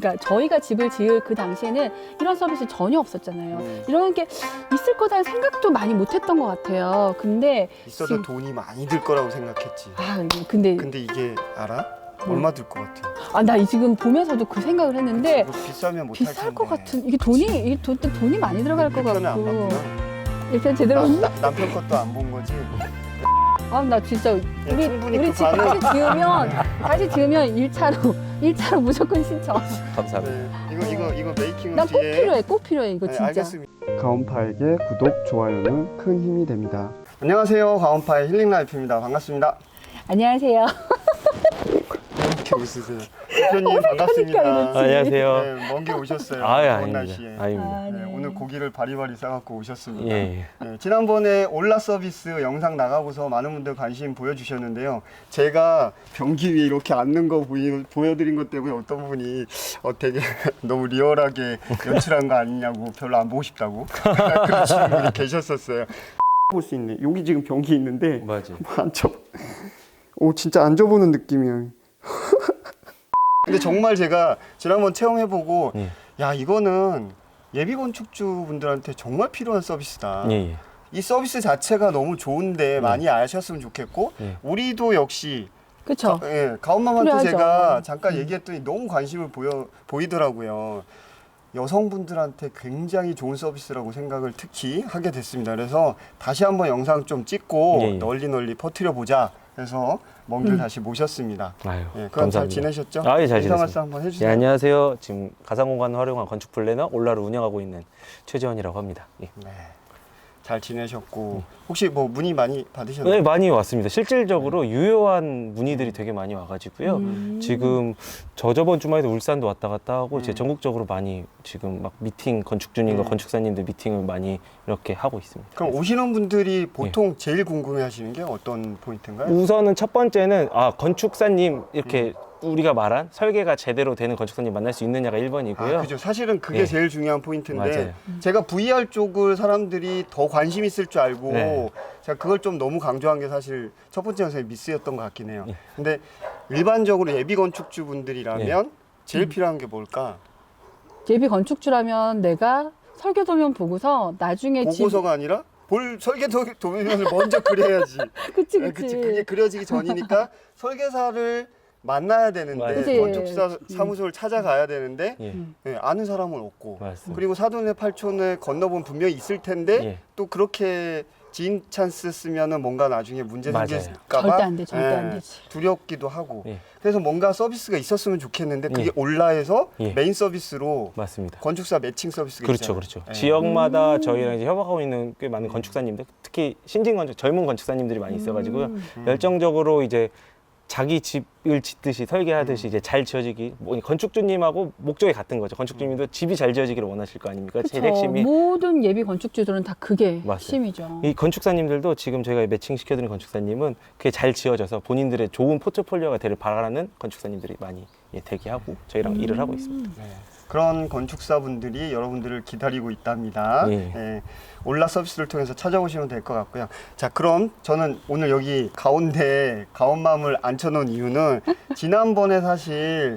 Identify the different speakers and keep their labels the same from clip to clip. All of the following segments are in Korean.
Speaker 1: 그러니까 저희가 집을 지을 그 당시에는 이런 서비스 전혀 없었잖아요. 이런 게 있을 거다는 생각도 많이 못했던 것 같아요. 근데
Speaker 2: 있어도 돈이 많이 들 거라고 생각했지.
Speaker 1: 근데
Speaker 2: 이게 알아? 얼마 들 것 같아?
Speaker 1: 나 지금 보면서도 그 생각을 했는데
Speaker 2: 비싸면 못할 텐데.
Speaker 1: 비쌀 것 같은 이게 돈이 많이 들어갈 것
Speaker 2: 편은 안
Speaker 1: 같고.
Speaker 2: 봤구나.
Speaker 1: 일단 제대로
Speaker 2: 남편 것도 안 본 거지?
Speaker 1: 나 진짜
Speaker 2: 충분히
Speaker 1: 우리
Speaker 2: 그
Speaker 1: 집
Speaker 2: 반응.
Speaker 1: 다시 지으면 1차로 무조건 신청.
Speaker 3: 감사합니다.
Speaker 2: 네. 이거 메이킹은
Speaker 1: 난 꼭
Speaker 2: 뒤에.
Speaker 1: 필요해 이거 진짜.
Speaker 2: 알겠습니다. 가온파에게 구독, 좋아요는 큰 힘이 됩니다. 안녕하세요. 가온파의 힐링라이프입니다. 반갑습니다.
Speaker 1: 안녕하세요.
Speaker 2: 이렇게 웃으세요. 대표님 반갑습니다.
Speaker 1: 이러지.
Speaker 3: 안녕하세요.
Speaker 2: 네, 먼 길 오셨어요.
Speaker 3: 아닙니다.
Speaker 2: 더운 날씨에.
Speaker 3: 아닙니다.
Speaker 2: 네, 오늘 고기를 바리바리 싸갖고 오셨습니다.
Speaker 3: 예.
Speaker 2: 네, 지난번에 올라 서비스 영상 나가고서 많은 분들 관심 보여주셨는데요. 제가 변기 위에 이렇게 앉는 거 보여드린 것 때문에 어떤 분이 되게 너무 리얼하게 연출한 거 아니냐고 별로 안 보고 싶다고 그러시는 분이 계셨었어요. 볼 수 있네. 여기 지금 변기 있는데
Speaker 3: 맞아.
Speaker 2: 앉아. 오 진짜 앉아보는 느낌이야. 근데 정말 제가 지난번 체험해보고 야 이거는 예비 건축주 분들한테 정말 필요한 서비스다.
Speaker 3: 예.
Speaker 2: 이 서비스 자체가 너무 좋은데 많이 아셨으면 좋겠고 우리도 역시
Speaker 1: 그렇죠.
Speaker 2: 가온맘한테
Speaker 1: 필요하죠.
Speaker 2: 제가 잠깐 얘기했더니 너무 관심을 보이더라고요. 여성분들한테 굉장히 좋은 서비스라고 생각을 특히 하게 됐습니다. 그래서 다시 한번 영상 좀 찍고 널리 퍼뜨려 보자. 그래서 먼 길 다시 모셨습니다.
Speaker 3: 아유,
Speaker 2: 그럼
Speaker 3: 감사합니다.
Speaker 2: 잘 지내셨죠?
Speaker 3: 예, 잘
Speaker 2: 인사
Speaker 3: 지냈습니다.
Speaker 2: 말씀 한번 해주세요.
Speaker 3: 예, 안녕하세요. 지금 가상공간을 활용한 건축 플래너 올라를 운영하고 있는 최재원이라고 합니다. 예.
Speaker 2: 네, 잘 지내셨고 혹시 뭐 문의 많이 받으셨나요?
Speaker 3: 네, 많이 왔습니다. 실질적으로 유효한 문의들이 되게 많이 와가지고요. 지금 저번 주말에도 울산도 왔다 갔다 하고 이제 전국적으로 많이 지금 막 미팅 건축주님과 건축사님들 미팅을 많이 이렇게 하고 있습니다.
Speaker 2: 그럼 오시는 분들이 보통 제일 궁금해하시는 게 어떤 포인트인가요?
Speaker 3: 우선은 첫 번째는 건축사님 이렇게 우리가 말한 설계가 제대로 되는 건축사님 만날 수 있느냐가 1번이고요.
Speaker 2: 그죠. 사실은 그게 제일 중요한 포인트인데
Speaker 3: 맞아요.
Speaker 2: 제가 VR 쪽을 사람들이 더 관심 있을 줄 알고
Speaker 3: 네.
Speaker 2: 제가 그걸 좀 너무 강조한 게 사실 첫 번째 영상의 미스였던 것 같긴 해요. 근데 일반적으로 예비 건축주 분들이라면 제일 필요한 게 뭘까?
Speaker 1: 예비 건축주라면 내가 설계 도면 보고서 나중에
Speaker 2: 보고서가 아니라 설계 도면을 먼저 그려야지.
Speaker 1: 그치.
Speaker 2: 그게 그려지기 전이니까 설계사를 만나야 되는데
Speaker 1: 그치.
Speaker 2: 건축사 사무소를 찾아가야 되는데
Speaker 3: 예.
Speaker 2: 아는 사람은 없고
Speaker 3: 맞습니다.
Speaker 2: 그리고 사돈의 팔촌을 건너본 분명히 있을 텐데
Speaker 3: 예.
Speaker 2: 또 그렇게 지인 찬스 쓰면은 뭔가 나중에 문제
Speaker 3: 맞아요.
Speaker 2: 생길까 봐
Speaker 1: 절대 안 돼, 절대 안 되지.
Speaker 2: 두렵기도 하고
Speaker 3: 예.
Speaker 2: 그래서 뭔가 서비스가 있었으면 좋겠는데 그게
Speaker 3: 예.
Speaker 2: 올라에서
Speaker 3: 예.
Speaker 2: 메인 서비스로
Speaker 3: 맞습니다.
Speaker 2: 건축사 매칭 서비스가
Speaker 3: 그렇죠,
Speaker 2: 있잖아요.
Speaker 3: 그렇죠.
Speaker 2: 예.
Speaker 3: 지역마다 저희랑 이제 협업하고 있는 꽤 많은 건축사님들, 특히 신진 건축, 젊은 건축사님들이 많이 있어가지고요. 열정적으로 이제 자기 집을 짓듯이 설계하듯이 이제 잘 지어지기, 건축주님하고 목적이 같은 거죠. 건축주님도 집이 잘 지어지기를 원하실 거 아닙니까? 제일 핵심이.
Speaker 1: 모든 예비 건축주들은 다 그게
Speaker 3: 맞아요.
Speaker 1: 핵심이죠.
Speaker 3: 이 건축사님들도 지금 저희가 매칭 시켜드린 건축사님은 그게 잘 지어져서 본인들의 좋은 포트폴리오가 되길 바라는 건축사님들이 많이 대기하고 저희랑 일을 하고 있습니다.
Speaker 2: 네. 그런 건축사분들이 여러분들을 기다리고 있답니다.
Speaker 3: 예.
Speaker 2: 올라 서비스를 통해서 찾아오시면 될 것 같고요. 자, 그럼 저는 오늘 여기 가운데 가온맘을 앉혀놓은 이유는 지난번에 사실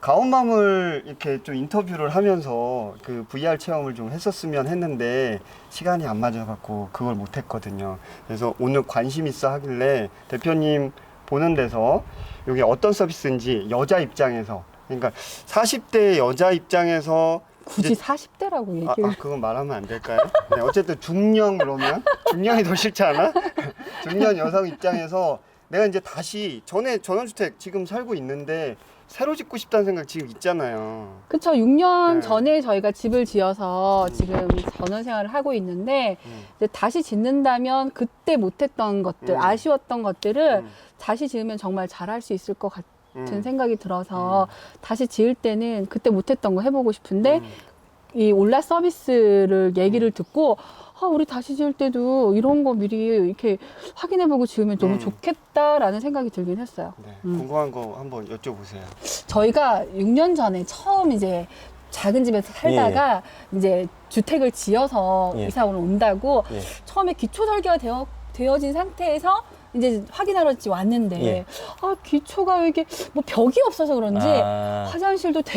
Speaker 2: 가온맘을 이렇게 좀 인터뷰를 하면서 그 VR 체험을 좀 했었으면 했는데 시간이 안 맞아갖고 그걸 못했거든요. 그래서 오늘 관심 있어 하길래 대표님 보는 데서 이게 어떤 서비스인지 여자 입장에서 그러니까 40대 여자 입장에서
Speaker 1: 굳이 40대라고 얘기를.
Speaker 2: 그건 말하면 안 될까요? 네, 어쨌든 중년 그러면 중년이 더 싫지 않아? 중년 여성 입장에서 내가 이제 다시 전원주택 지금 살고 있는데 새로 짓고 싶다는 생각 지금 있잖아요.
Speaker 1: 그쵸. 6년
Speaker 2: 네.
Speaker 1: 전에 저희가 집을 지어서 지금 전원 생활을 하고 있는데 이제 다시 짓는다면 그때 못했던 것들, 아쉬웠던 것들을 다시 지으면 정말 잘할 수 있을 것 같은 생각이 들어서 다시 지을 때는 그때 못했던 거 해보고 싶은데 이 올라 서비스를 얘기를 듣고 우리 다시 지을 때도 이런 거 미리 이렇게 확인해보고 지으면 너무 좋겠다라는 생각이 들긴 했어요.
Speaker 2: 네, 궁금한 거 한번 여쭤보세요.
Speaker 1: 저희가 6년 전에 처음 이제 작은 집에서 살다가 이제 주택을 지어서 이사를 온다고 처음에 기초 설계가 되어진 상태에서 이제 확인하러 왔는데 기초가 왜 이게 뭐 벽이 없어서 그런지 화장실도 되게 작고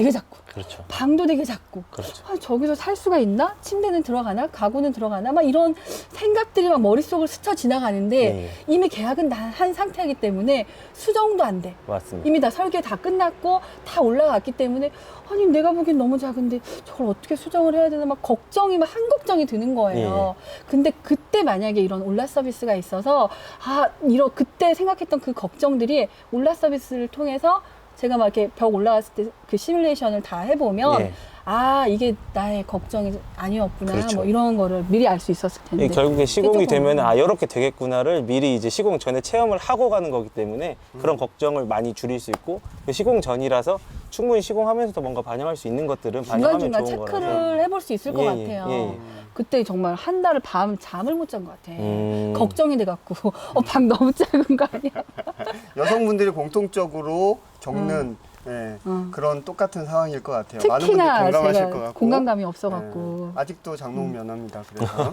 Speaker 3: 그렇죠.
Speaker 1: 방도 되게 작고
Speaker 3: 그렇죠.
Speaker 1: 아, 저기서 살 수가 있나? 침대는 들어가나? 가구는 들어가나? 막 이런 생각들이 막 머릿속을 스쳐 지나가는데
Speaker 3: 예.
Speaker 1: 이미 계약은 다 한 상태이기 때문에 수정도 안 돼.
Speaker 3: 맞습니다.
Speaker 1: 이미 다 설계 다 끝났고 다 올라갔기 때문에 아니 내가 보기엔 너무 작은데 저걸 어떻게 수정을 해야 되나 막 걱정이 막 한 걱정이 드는 거예요. 근데 그때 만약에 이런 올라 서비스가 있어서 이런 그때 생각했던 그 걱정들이 올라 서비스를 통해서 제가 막 이렇게 벽 올라갔을 때 그 시뮬레이션을 다 해보면
Speaker 3: 예.
Speaker 1: 이게 나의 걱정이 아니었구나
Speaker 3: 그렇죠.
Speaker 1: 뭐 이런 거를 미리 알 수 있었을 텐데.
Speaker 3: 예, 결국에 시공이
Speaker 1: 조금-
Speaker 3: 되면 이렇게 되겠구나를 미리 이제 시공 전에 체험을 하고 가는 거기 때문에 그런 걱정을 많이 줄일 수 있고 시공 전이라서 충분히 시공하면서도 뭔가 반영할 수 있는 것들은 반영하면
Speaker 1: 중간중간
Speaker 3: 좋은
Speaker 1: 체크를
Speaker 3: 거라서.
Speaker 1: 해볼 수 있을 것
Speaker 3: 예,
Speaker 1: 같아요.
Speaker 3: 예.
Speaker 1: 그때 정말 한 달을 잠을 못 잔 것 같아.
Speaker 3: 음.
Speaker 1: 걱정이 돼갖고 방 너무 작은 거 아니야?
Speaker 2: 여성분들이 공통적으로 겪는 예, 그런 똑같은 상황일 것 같아요. 많은 분들이
Speaker 1: 특히나
Speaker 2: 공감하실 것
Speaker 1: 제가
Speaker 2: 같고
Speaker 1: 공간감이 없어갖고.
Speaker 2: 예, 아직도 장롱 면허입니다. 그래서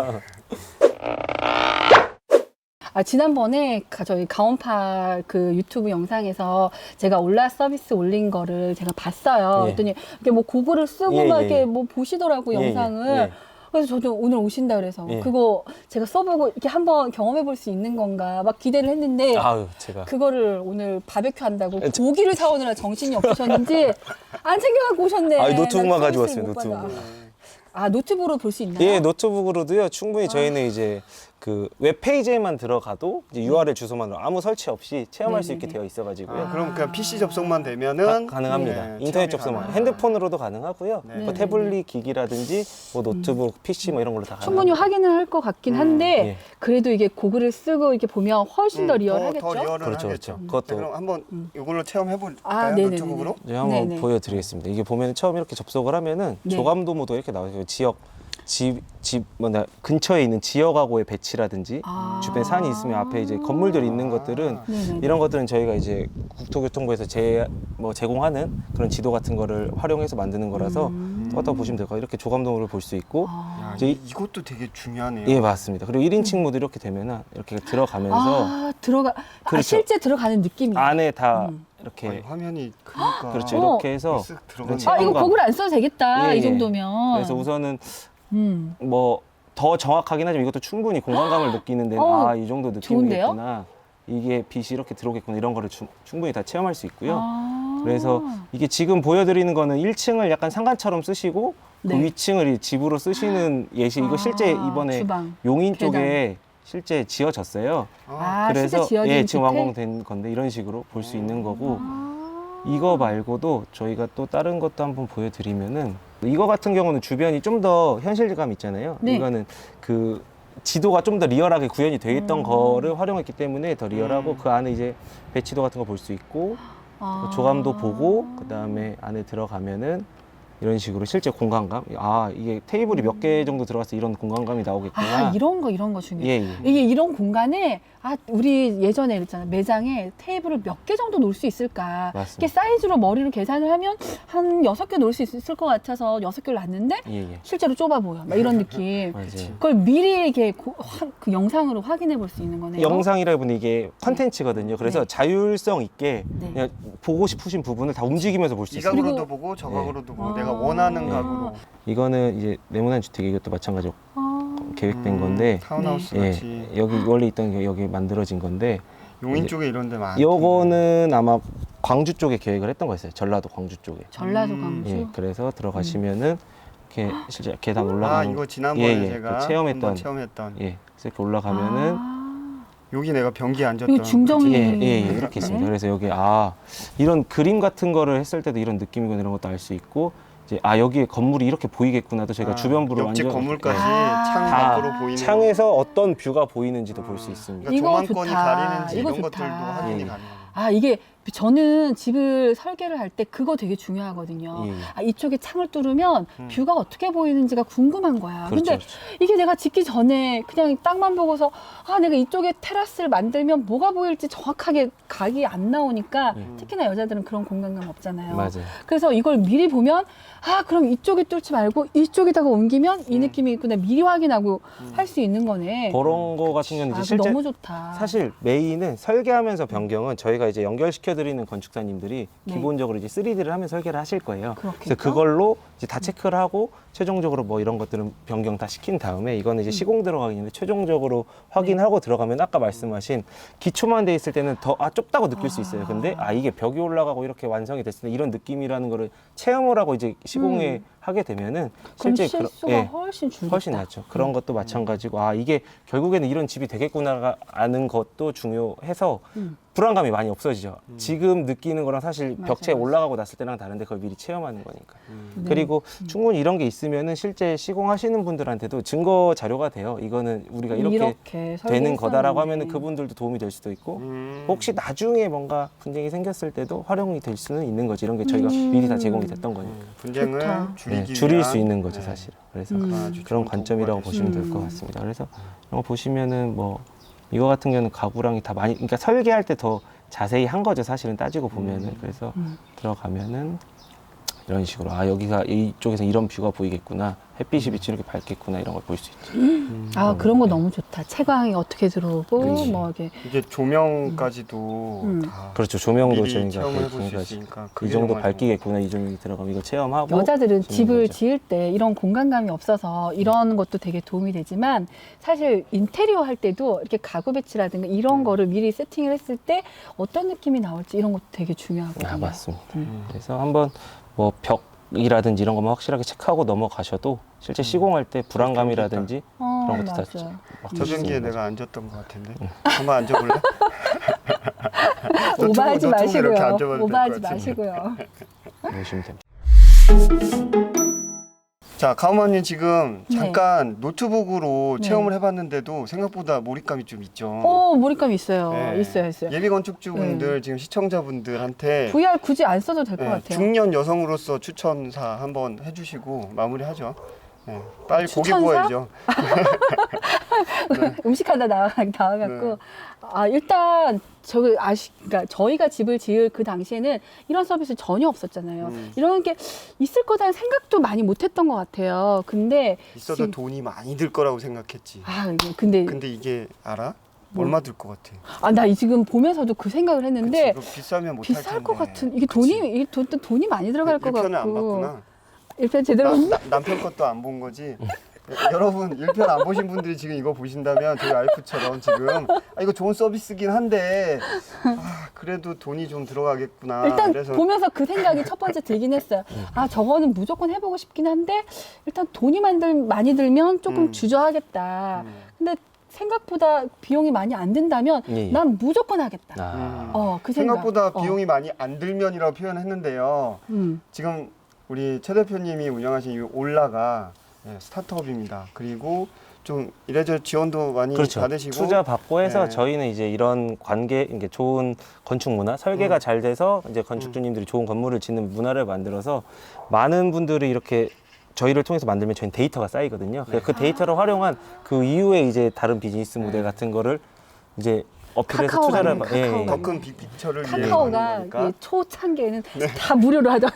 Speaker 1: 지난번에 저희 가온파 그 유튜브 영상에서 제가 올라 서비스 올린 거를 제가 봤어요.
Speaker 3: 예.
Speaker 1: 그랬더니 이렇게 뭐 고글을 쓰고
Speaker 3: 예,
Speaker 1: 막
Speaker 3: 예,
Speaker 1: 이렇게
Speaker 3: 예.
Speaker 1: 뭐 보시더라고
Speaker 3: 예,
Speaker 1: 영상을.
Speaker 3: 예.
Speaker 1: 그래서 저도 오늘 오신다 그래서
Speaker 3: 예.
Speaker 1: 그거 제가 써보고 이렇게 한번 경험해 볼 수 있는 건가 막 기대를 했는데
Speaker 3: 아유, 제가
Speaker 1: 그거를 오늘 바베큐 한다고 고기를 사오느라 정신이 없으셨는지 안 챙겨갖고 오셨네.
Speaker 3: 노트북만
Speaker 1: 난
Speaker 3: 가지고
Speaker 1: 서비스를
Speaker 3: 왔어요,
Speaker 1: 못 받아.
Speaker 3: 노트북.
Speaker 1: 노트북으로 볼 수 있나요?
Speaker 3: 예, 노트북으로도요. 충분히 저희는 이제 그 웹페이지에만 들어가도 이제 URL 주소만으로 아무 설치 없이 체험할 수 있게
Speaker 1: 네네네.
Speaker 3: 되어 있어가지고요.
Speaker 2: 그럼 그냥 PC 접속만 되면은
Speaker 3: 가능합니다.
Speaker 2: 예,
Speaker 3: 인터넷
Speaker 2: 체험이
Speaker 3: 접속만
Speaker 2: 가능하다.
Speaker 3: 핸드폰으로도 가능하고요.
Speaker 2: 네.
Speaker 3: 뭐
Speaker 1: 네네네.
Speaker 3: 태블릿 기기라든지 뭐 노트북, PC 뭐 이런 걸로 다
Speaker 1: 충분히
Speaker 3: 가능합니다.
Speaker 1: 확인을 할 것 같긴 한데
Speaker 3: 예.
Speaker 1: 그래도 이게 고글을 쓰고 이렇게 보면 훨씬 더 리얼하겠죠?
Speaker 2: 더 리얼은
Speaker 3: 그렇죠,
Speaker 2: 하겠죠.
Speaker 3: 그렇죠. 그것도-
Speaker 2: 자, 그럼 한번 이걸로 체험해 볼까요?
Speaker 1: 네네네네.
Speaker 2: 노트북으로?
Speaker 3: 이제 한번
Speaker 1: 네네.
Speaker 3: 보여드리겠습니다. 이게 보면 처음 이렇게 접속을 하면은
Speaker 1: 네.
Speaker 3: 조감도 모드 이렇게 나와요. 근처에 있는 지역하고의 배치라든지 주변에 산이 있으면 앞에 이제 건물들이 있는 것들은
Speaker 1: 네네네.
Speaker 3: 이런 것들은 저희가 이제 국토교통부에서 제공하는 그런 지도 같은 거를 활용해서 만드는 거라서 어떤 보시면 될 거예요. 이렇게 조감도를 볼 수 있고
Speaker 2: 야,
Speaker 3: 이제
Speaker 2: 이것도 되게 중요하네요.
Speaker 3: 예 맞습니다. 그리고 1인칭 모드 이렇게 되면은 이렇게 들어가면서
Speaker 1: 아,
Speaker 3: 그렇죠.
Speaker 1: 실제 들어가는 느낌이.
Speaker 3: 안에 다
Speaker 2: 아니,
Speaker 3: 이렇게
Speaker 2: 화면이 크니까
Speaker 3: 그렇죠.
Speaker 1: 어.
Speaker 3: 이렇게 해서
Speaker 2: 쓱 들어가네.
Speaker 3: 체험감.
Speaker 1: 이거 고글 안 써도 되겠다.
Speaker 3: 예,
Speaker 1: 이
Speaker 3: 예.
Speaker 1: 정도면.
Speaker 3: 그래서 우선은
Speaker 1: 음.
Speaker 3: 뭐 더 정확하긴 하지만 이것도 충분히 공간감을 느끼는 데는 이 정도
Speaker 1: 좋은데요?
Speaker 3: 느낌이겠구나. 이게 빛이 이렇게 들어오겠구나 이런 거를 충분히 다 체험할 수 있고요.
Speaker 1: 아.
Speaker 3: 그래서 이게 지금 보여드리는 거는 1층을 약간 상가처럼 쓰시고
Speaker 1: 네.
Speaker 3: 그 위층을 이 집으로 쓰시는 예시. 이거 실제 이번에
Speaker 1: 주방.
Speaker 3: 용인
Speaker 1: 계단.
Speaker 3: 쪽에 실제 지어졌어요.
Speaker 1: 실제
Speaker 3: 그래서
Speaker 1: 지어진
Speaker 3: 지금
Speaker 1: 디테일?
Speaker 3: 완공된 건데 이런 식으로 볼 수 있는 거고
Speaker 1: 아.
Speaker 3: 이거 말고도 저희가 또 다른 것도 한번 보여드리면은 이거 같은 경우는 주변이 좀 더 현실감 있잖아요.
Speaker 1: 네.
Speaker 3: 이거는 그 지도가 좀 더 리얼하게 구현이 돼 있던 거를 활용했기 때문에 더 리얼하고 그 안에 이제 배치도 같은 거 볼 수 있고 조감도 보고 그 다음에 안에 들어가면은 이런 식으로 실제 공간감 이게 테이블이 몇 개 정도 들어가서 이런 공간감이 나오겠구나.
Speaker 1: 이런 거 중요해.
Speaker 3: 예, 예.
Speaker 1: 이게 이런 공간에 우리 예전에 그랬잖아. 매장에 테이블을 몇 개 정도 놓을 수 있을까?
Speaker 3: 맞습니다.
Speaker 1: 이게 사이즈로 머리로 계산을 하면 한 6개 놓을 수 있을 것 같아서 6개를 놨는데
Speaker 3: 예, 예.
Speaker 1: 실제로 좁아 보여. 막 이런 느낌.
Speaker 3: 맞아요.
Speaker 1: 그걸 미리 이렇게 그 영상으로 확인해 볼 수 있는 거네요.
Speaker 3: 영상이라 보니 이게 컨텐츠거든요. 그래서
Speaker 1: 네.
Speaker 3: 자율성 있게
Speaker 1: 네.
Speaker 3: 그냥 보고 싶으신 부분을 다 움직이면서 볼 수
Speaker 2: 이
Speaker 3: 있어요.
Speaker 2: 각으로도
Speaker 1: 그리고-
Speaker 2: 보고 저 각으로도 보고
Speaker 1: 아.
Speaker 2: 내가 원하는
Speaker 3: 네.
Speaker 2: 각으로
Speaker 3: 이거는 이제 네모난 주택 이것도 마찬가지로 계획된 건데
Speaker 2: 타운하우스
Speaker 3: 예,
Speaker 2: 같이
Speaker 3: 여기 원래 있던 게 여기 만들어진 건데
Speaker 2: 용인
Speaker 3: 이제
Speaker 2: 쪽에 이런 데 많아.
Speaker 3: 요거는 아마 광주 쪽에 계획을 했던 거였어요. 전라도 광주 쪽에.
Speaker 1: 전라도 광주.
Speaker 3: 예, 그래서 들어가시면은 이렇게 실제 계단 올라가는
Speaker 2: 이거 지난번에
Speaker 3: 예, 예,
Speaker 2: 제가
Speaker 3: 그 체험했던
Speaker 2: 한번 체험했던
Speaker 3: 예, 그래서 이렇게 올라가면은
Speaker 2: 여기 내가 변기 앉았던
Speaker 1: 이거 중정이
Speaker 3: 이렇게 있습니다. 그래서 여기 이런 그림 같은 거를 했을 때도 이런 느낌이고 이런 것도 알 수 있고 이제 여기에 건물이 이렇게 보이겠구나도 저희가 주변부를
Speaker 2: 옆집
Speaker 3: 완전
Speaker 2: 건물까지
Speaker 3: 예,
Speaker 2: 창
Speaker 3: 다
Speaker 2: 밖으로 보이는
Speaker 3: 창에서 어떤 뷰가 보이는지도 볼 수 있습니다.
Speaker 2: 그러니까
Speaker 1: 이거
Speaker 2: 조망권이
Speaker 1: 좋다.
Speaker 2: 가리는지
Speaker 1: 이거
Speaker 2: 이런
Speaker 1: 좋다.
Speaker 2: 것들도 확인이
Speaker 3: 예.
Speaker 2: 가능해요.
Speaker 1: 이게 저는 집을 설계를 할 때 그거 되게 중요하거든요.
Speaker 3: 예.
Speaker 1: 이쪽에 창을 뚫으면 뷰가 어떻게 보이는지가 궁금한 거야.
Speaker 3: 그렇죠,
Speaker 1: 근데
Speaker 3: 그렇죠.
Speaker 1: 이게 내가 짓기 전에 그냥 땅만 보고서 내가 이쪽에 테라스를 만들면 뭐가 보일지 정확하게 각이 안 나오니까 특히나 여자들은 그런 공간감 없잖아요.
Speaker 3: 맞아요.
Speaker 1: 그래서 이걸 미리 보면 그럼 이쪽에 뚫지 말고 이쪽에다가 옮기면 이 느낌이 있구나 미리 확인하고 할 수 있는 거네.
Speaker 3: 그런 거 같은 경우는 이제
Speaker 1: 그거
Speaker 3: 실제
Speaker 1: 너무 좋다.
Speaker 3: 사실 메인은 설계하면서 변경은 저희가 이제 연결시켜 시켜드리는 건축사님들이
Speaker 1: 네.
Speaker 3: 기본적으로 이제 3D를 하면서 설계를 하실 거예요.
Speaker 1: 그렇겠죠?
Speaker 3: 그래서 그걸로 이제 다 체크를 하고 최종적으로 뭐 이런 것들은 변경 다 시킨 다음에 이거는 이제 시공 들어가기 전에 최종적으로 확인하고 들어가면 아까 말씀하신 기초만 돼 있을 때는 더 좁다고 느낄 수 있어요. 근데 이게 벽이 올라가고 이렇게 완성이 됐을 때 이런 느낌이라는 거를 체험을 하고 이제 시공에 하게 되면은
Speaker 1: 그럼
Speaker 3: 실제
Speaker 1: 실수가
Speaker 3: 예,
Speaker 1: 훨씬 줄겠다.
Speaker 3: 훨씬 낫죠. 그런 것도 마찬가지고 이게 결국에는 이런 집이 되겠구나 아는 것도 중요해서 불안감이 많이 없어지죠. 지금 느끼는 거랑 사실
Speaker 1: 맞아,
Speaker 3: 벽체에
Speaker 1: 맞아.
Speaker 3: 올라가고 났을 때랑 다른데 그걸 미리 체험하는 거니까.
Speaker 1: 네.
Speaker 3: 그리고 충분히 이런 게 있으면은 실제 시공하시는 분들한테도 증거 자료가 돼요. 이거는 우리가 이렇게 되는
Speaker 1: 설계했었는데.
Speaker 3: 거다라고 하면은 그분들도 도움이 될 수도 있고 혹시 나중에 뭔가 분쟁이 생겼을 때도 활용이 될 수는 있는 거지. 이런 게 저희가 미리 다 제공이 됐던 거니까.
Speaker 2: 분쟁을
Speaker 1: 좋다.
Speaker 2: 줄이기
Speaker 3: 네, 줄일
Speaker 2: 위한,
Speaker 3: 수 있는 거죠,
Speaker 2: 네.
Speaker 3: 사실은. 그래서
Speaker 2: 아주
Speaker 3: 그런
Speaker 2: 좋은
Speaker 3: 관점이라고
Speaker 2: 도구가
Speaker 3: 보시면 될 것 같습니다. 그래서 이런 거 보시면은 뭐 이거 같은 경우는 가구랑이 다 많이, 그러니까 설계할 때 더 자세히 한 거죠, 사실은 따지고 보면은. 그래서 들어가면은 이런 식으로 여기가 이쪽에서 이런 뷰가 보이겠구나, 햇빛이 비치 이렇게 밝겠구나 이런 걸 볼 수 있죠.
Speaker 1: 그런 거 너무 좋다. 채광이 어떻게 들어오고
Speaker 3: 그렇지.
Speaker 1: 뭐 이게
Speaker 2: 이게 조명까지도 다
Speaker 3: 그렇죠. 조명도
Speaker 2: 미리
Speaker 3: 저희가
Speaker 2: 체험을 해볼 수
Speaker 3: 그러니까
Speaker 2: 있으니까
Speaker 3: 이
Speaker 2: 그게
Speaker 3: 정도
Speaker 2: 정말
Speaker 3: 밝기겠구나, 이 정도 들어가면 이거 체험하고
Speaker 1: 여자들은
Speaker 3: 지는
Speaker 1: 집을
Speaker 3: 거죠.
Speaker 1: 지을 때 이런 공간감이 없어서 이런 것도 되게 도움이 되지만 사실 인테리어 할 때도 이렇게 가구 배치라든가 이런 거를 미리 세팅을 했을 때 어떤 느낌이 나올지 이런 것도 되게 중요하거든요.
Speaker 3: 맞습니다. 그래서 한번 뭐 벽이라든지 이런 것만 확실하게 체크하고 넘어가셔도 실제 시공할 때 불안감이라든지 그런 것도 다
Speaker 1: 맞아요.
Speaker 2: 저변기에 내가 앉았던 것 같은데 한번 앉아볼래?
Speaker 1: 오버하지
Speaker 2: 노트북 이렇게
Speaker 1: 마시고요.
Speaker 2: 앉아봐도 될것
Speaker 1: 오버하지
Speaker 2: 같은데.
Speaker 1: 마시고요.
Speaker 3: 보시면 됩니다.
Speaker 2: 자, 가우마님 지금
Speaker 1: 네.
Speaker 2: 잠깐 노트북으로
Speaker 1: 네.
Speaker 2: 체험을 해봤는데도 생각보다 몰입감이 좀 있죠.
Speaker 1: 몰입감 있어요.
Speaker 2: 네.
Speaker 1: 있어요.
Speaker 2: 예비 건축주분들 지금 시청자분들한테
Speaker 1: VR 굳이 안 써도 될 것
Speaker 2: 네,
Speaker 1: 같아요.
Speaker 2: 중년 여성으로서 추천사 한번 해주시고 마무리하죠. 네, 빨리 고기
Speaker 1: 추천사?
Speaker 2: 구워야죠.
Speaker 1: 음식하다 나와갖고
Speaker 2: 네.
Speaker 1: 일단 그러니까 저희가 집을 지을 그 당시에는 이런 서비스 전혀 없었잖아요. 이런 게 있을 거다는 생각도 많이 못했던 것 같아요. 근데
Speaker 2: 있어도
Speaker 1: 지금-
Speaker 2: 돈이 많이 들 거라고 생각했지.
Speaker 1: 근데
Speaker 2: 근데 이게 알아?
Speaker 1: 뭐?
Speaker 2: 얼마 들 것 같아?
Speaker 1: 나 지금 보면서도 그 생각을 했는데
Speaker 2: 그치, 이거 비싸면 못할 텐데.
Speaker 1: 비쌀 것 같은 이게
Speaker 2: 그치.
Speaker 1: 돈이 많이 들어갈 것
Speaker 2: 일편은 안
Speaker 1: 같고
Speaker 2: 봤구나.
Speaker 1: 일편 제대로
Speaker 2: 남편 것도 안 본 거지. 여러분 1편 안 보신 분들이 지금 이거 보신다면 저희 와이프처럼 지금 이거 좋은 서비스긴 한데 그래도 돈이 좀 들어가겠구나.
Speaker 1: 일단
Speaker 2: 그래서
Speaker 1: 보면서 그 생각이 첫 번째 들긴 했어요. 저거는 무조건 해보고 싶긴 한데 일단 돈이 많이 들면 조금 주저하겠다. 근데 생각보다 비용이 많이 안 든다면
Speaker 3: 예.
Speaker 1: 난 무조건 하겠다. 그 생각.
Speaker 2: 생각보다 비용이 많이 안 들면이라고 표현했는데요.
Speaker 1: 음.
Speaker 2: 지금 우리 최 대표님이 운영하신 이 올라가 스타트업입니다. 그리고 좀 이래저래 지원도 많이
Speaker 3: 그렇죠.
Speaker 2: 받으시고
Speaker 3: 투자 받고 해서
Speaker 2: 네.
Speaker 3: 저희는 이제 이런 관계, 이게 좋은 건축 문화, 설계가 잘 돼서 이제 건축주님들이 좋은 건물을 짓는 문화를 만들어서 많은 분들이 이렇게 저희를 통해서 만들면 저희는 데이터가 쌓이거든요. 그래서 그 데이터를 활용한 그 이후에 이제 다른 비즈니스 모델 같은 거를 이제 어필해서
Speaker 1: 카카오
Speaker 3: 투자를
Speaker 1: 같네, 카카오
Speaker 2: 더
Speaker 1: 같네.
Speaker 2: 큰 빅피처를 위해
Speaker 1: 카카오가
Speaker 2: 하는 거니까.
Speaker 1: 이 초창기에는 다 무료로 하더니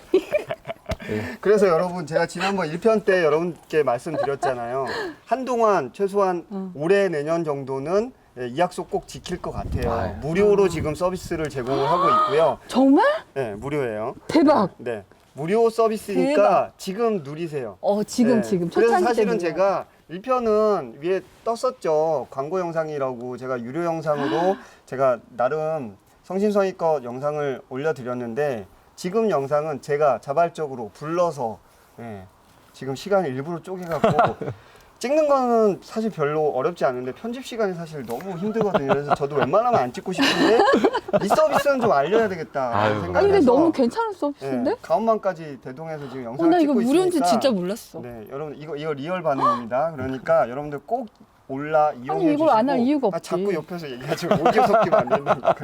Speaker 2: 그래서 여러분 제가 지난번 1편 때 여러분께 말씀드렸잖아요. 한동안 최소한 올해 내년 정도는 이 약속 꼭 지킬 것 같아요. 무료로 지금 서비스를 제공을 하고 있고요.
Speaker 1: 정말
Speaker 2: 네, 무료예요.
Speaker 1: 대박.
Speaker 2: 네, 무료 서비스니까
Speaker 1: 대박.
Speaker 2: 지금 누리세요.
Speaker 1: 지금
Speaker 2: 네,
Speaker 1: 지금
Speaker 2: 그래서
Speaker 1: 초창기
Speaker 2: 사실은
Speaker 1: 때문에.
Speaker 2: 제가 1편은 위에 떴었죠. 광고 영상이라고 제가 유료 영상으로 제가 나름 성심성의껏 영상을 올려드렸는데 지금 영상은 제가 자발적으로 불러서 지금 시간을 일부러 쪼개갖고 찍는 거는 사실 별로 어렵지 않은데 편집 시간이 사실 너무 힘들거든요. 그래서 저도 웬만하면 안 찍고 싶은데 이 서비스는 좀 알려야 되겠다
Speaker 3: 아유.
Speaker 2: 생각을
Speaker 1: 아니 근데
Speaker 2: 해서
Speaker 1: 너무 괜찮을 수 없는데?
Speaker 2: 가운만까지 대동해서 지금 영상을
Speaker 1: 나 이거
Speaker 2: 찍고
Speaker 1: 무료인지
Speaker 2: 있으니까
Speaker 1: 진짜 몰랐어.
Speaker 2: 네, 여러분 이거 리얼 반응입니다. 그러니까 여러분들 꼭 올라 이용해
Speaker 1: 이걸 안 할
Speaker 2: 주시고
Speaker 1: 이유가 없지.
Speaker 2: 자꾸 옆에서 얘기하지 오디오 섞이면 안 된다니까.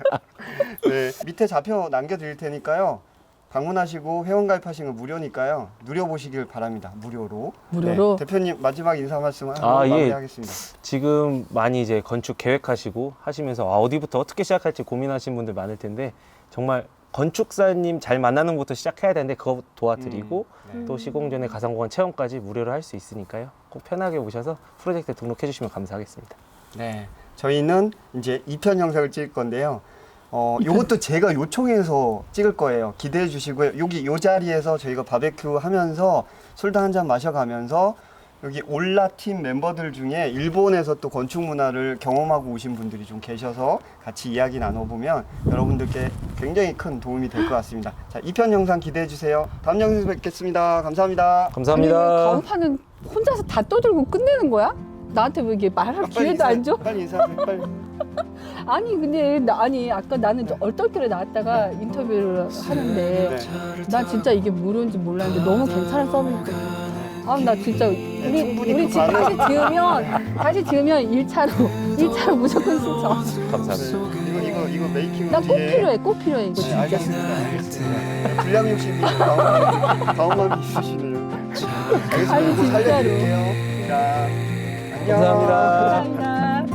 Speaker 2: 네, 밑에 좌표 남겨드릴 테니까요. 방문하시고 회원 가입하시는 거 무료니까요. 누려보시길 바랍니다. 무료로.
Speaker 1: 무료로?
Speaker 2: 네, 대표님 마지막 인사 말씀 한번
Speaker 3: 예.
Speaker 2: 마무리하겠습니다.
Speaker 3: 지금 많이 이제 건축 계획하시고 하시면서 어디부터 어떻게 시작할지 고민하시는 분들 많을 텐데 정말 건축사님 잘 만나는 것부터 시작해야 되는데 그거 도와드리고 또 시공 전에 가상공간 체험까지 무료로 할 수 있으니까요. 꼭 편하게 오셔서 프로젝트에 등록해 주시면 감사하겠습니다.
Speaker 2: 네, 저희는 이제 2편 영상을 찍을 건데요. 요것도 제가 요청해서 찍을 거예요. 기대해 주시고요. 여기 요 자리에서 저희가 바베큐 하면서 술도 한잔 마셔가면서 여기 올라 팀 멤버들 중에 일본에서 또 건축 문화를 경험하고 오신 분들이 좀 계셔서 같이 이야기 나눠보면 여러분들께 굉장히 큰 도움이 될 것 같습니다. 자, 2편 영상 기대해 주세요. 다음 영상에서 뵙겠습니다. 감사합니다.
Speaker 3: 감사합니다.
Speaker 1: 아니, 왜 가오파는 혼자서 다 떠들고 끝내는 거야? 나한테 왜 이게 말할 기회도 안 줘?
Speaker 2: 빨리 인사하세요. 빨리.
Speaker 1: 아니 근데 아까 나는 좀 얼떨결에 나왔다가 인터뷰를 하는데 나 진짜 이게 무료인지 몰랐는데 너무 괜찮은 서비스. 아 나 진짜
Speaker 2: 충분히
Speaker 1: 우리
Speaker 2: 그
Speaker 1: 지금
Speaker 2: 반응.
Speaker 1: 다시 지으면 1차로 무조건 신청.
Speaker 3: 감사합니다.
Speaker 2: 이거 메이킹
Speaker 1: 나 꼭
Speaker 2: 뒤에.
Speaker 1: 필요해 이거
Speaker 2: 네,
Speaker 1: 진짜.
Speaker 2: 알겠습니다. 불량 욕심이 다음만 있으시네요. 알겠습니다.
Speaker 1: 아니,
Speaker 2: 꼭
Speaker 1: 진짜로.
Speaker 2: 살려드릴게요. 자, 안녕.
Speaker 3: 감사합니다.
Speaker 1: 감사합니다.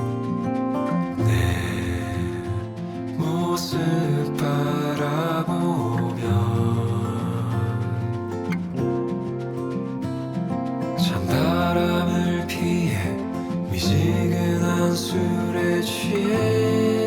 Speaker 4: 모습 바라보며 찬바람을 피해 미지근한 술에 취해